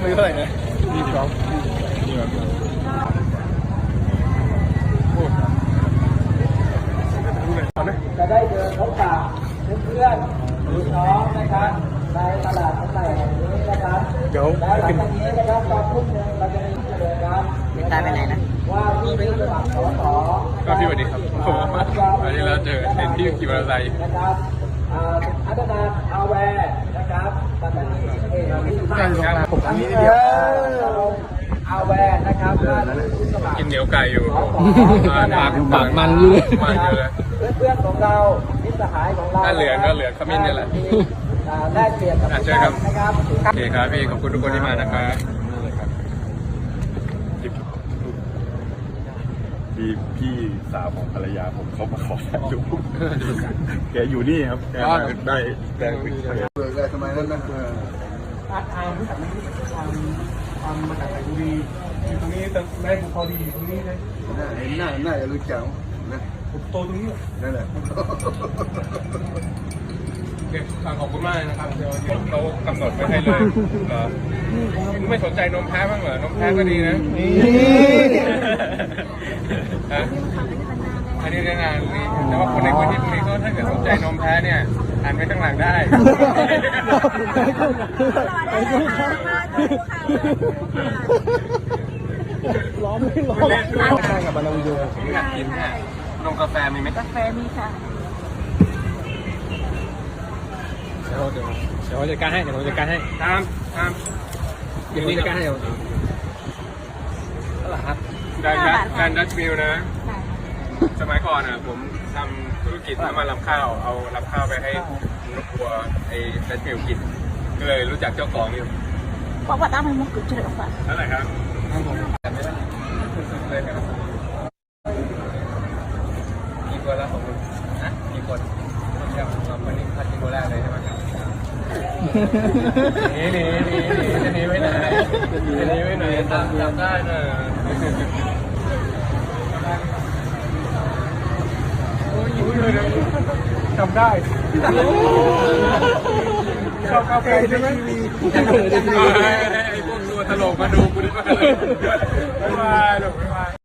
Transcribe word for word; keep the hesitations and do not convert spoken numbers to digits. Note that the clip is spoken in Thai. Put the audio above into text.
มือเท่าไหร่นะยี่สิบสองจะได้เดินพบปะเพื่อนๆพี่น้องนะครับในตลาดใหม่แห่งนี้นะครับแล้วหลังจากนี้นะครับตอนทุ่มหนึ่งเราจะมีกิจกรรมไม่ตายไปไหนนะว่าที่เป็นสมัครสสก็พี่สวัสดีครับผมวันนี้เราเจอเห็นพี่ขี่มอเตอร์ไซค์นะครับอัตนาอาแวร์นะครับปัตตานีเองที่ผมอันนี้เดียวอาแวร์นะครับกินเหนียวไก่อยู่ปากปากมันเลยมันเยอะเพื่อนๆของเรามิตรสหายของเราถ้าเหลืองก็เหลืองขมิ้นนี่แหละได้เปรียบกับเชิญครับโอเคครับพี่ขอบคุณทุกคนที่มานะครับพี่พี่สาวของภรรยาผมเขามาขอถ่ายรูปแกอยู่นี่ครับแกได้ได้ได้ทำไมนั่นนะอาร์ตอาร์มรู้จักไหมทำทำมาจากไหนบุรีอยู่ตรงนี้แต่แม่ผมพอดีอยู่ตรงนี้เลยเห็นหน้าหน้าจะรู้จักนะผมโตตรงนี้นั่นแหละเด็กขอบคุณมากนะครับเดี๋ยวเขากำหนดไว้ให้เลยเหรอไม่สนใจนมแพ้บ้างเหรอนมแพ้ก็ดีนะอันนี้เรื่องงานนี่แต่ว่าคนในพื้นที่พวกนี้ก็ถ้าเกิดสนใจนมแพ้เนี่ยอ่านไปข้างหลังได้ล้อมไม่ล้อมใช่กับบานาวิโยอยากกินเนี่ยนมกาแฟมีไหมกาแฟมีค่ะเดี๋ยวเดี๋ยวเดี๋ยวจัดการให้เดี๋ยวจัดการให้ตามตามเดี๋ยวจัดการให้เดี๋ยวตลาดดันดันดันดัชมิลนะสมัยก่อนอ่ะผมทำธุรกิจน้ำมันลำข้าวเอาลำข้าวไปให้นกวัวไอ้ดัชมิลกินก็เลยรู้จักเจ้าของอยู่บอกว่าตามให้มุกจุดเดือดก่อนเท่าไหร่ครับไม่ได้เลยครับกี่คนแล้วของคุณนะกี่คนเดี๋ยวเราวันนี้พัดกี่คนแรกเลยใช่ไหมหนีหนีหนีหนีจะหนีไปไหนจะหนีไปไหนตามจับได้น่ะโอ้ยอยู่เลยนะจำได้ชอบกาแฟใช่ไหมไอ้พวกตัวตลกมาดูกูดีกว่าเลยไม่มาหรอกไม่มา